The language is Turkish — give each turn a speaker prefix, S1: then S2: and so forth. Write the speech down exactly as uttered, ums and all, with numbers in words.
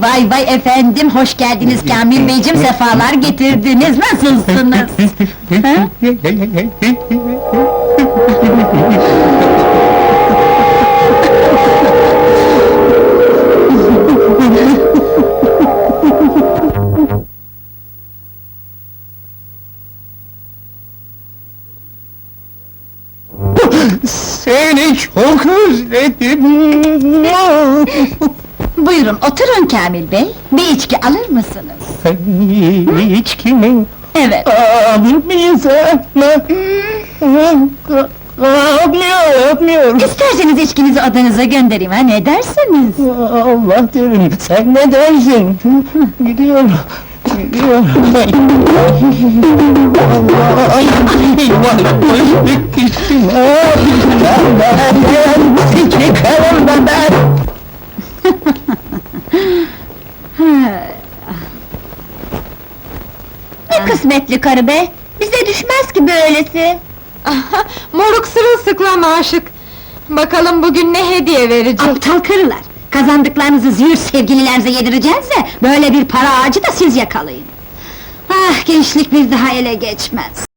S1: Vay vay efendim, hoş geldiniz Kamil Beyciğim, sefalar getirdiniz, nasılsınız? Ha?
S2: Seni çok özledim.
S1: Buyurun, oturun Kamil Bey, bir içki alır mısınız?
S2: İçki mi?
S1: Evet.
S2: Alır mıyız ama? Almıyor, almıyor.
S1: İsterseniz içkinizi odanıza göndereyim, ha ne dersiniz?
S2: Allah derim, sen ne dersin? Gidiyorum, gidiyorum. Allah, ay, eyvah, bittim. Ben, ben, çıkarım ben, ben.
S1: Ne kısmetli karı be! Bize düşmez ki böylesi!
S3: Moruk sırılsıklam aşık! Bakalım bugün ne hediye verecek?
S1: Aptal karılar! Kazandıklarınızı züğürt sevgililerinize yedireceğiz de, böyle bir para ağacı da siz yakalayın! Ah, gençlik bir daha ele geçmez!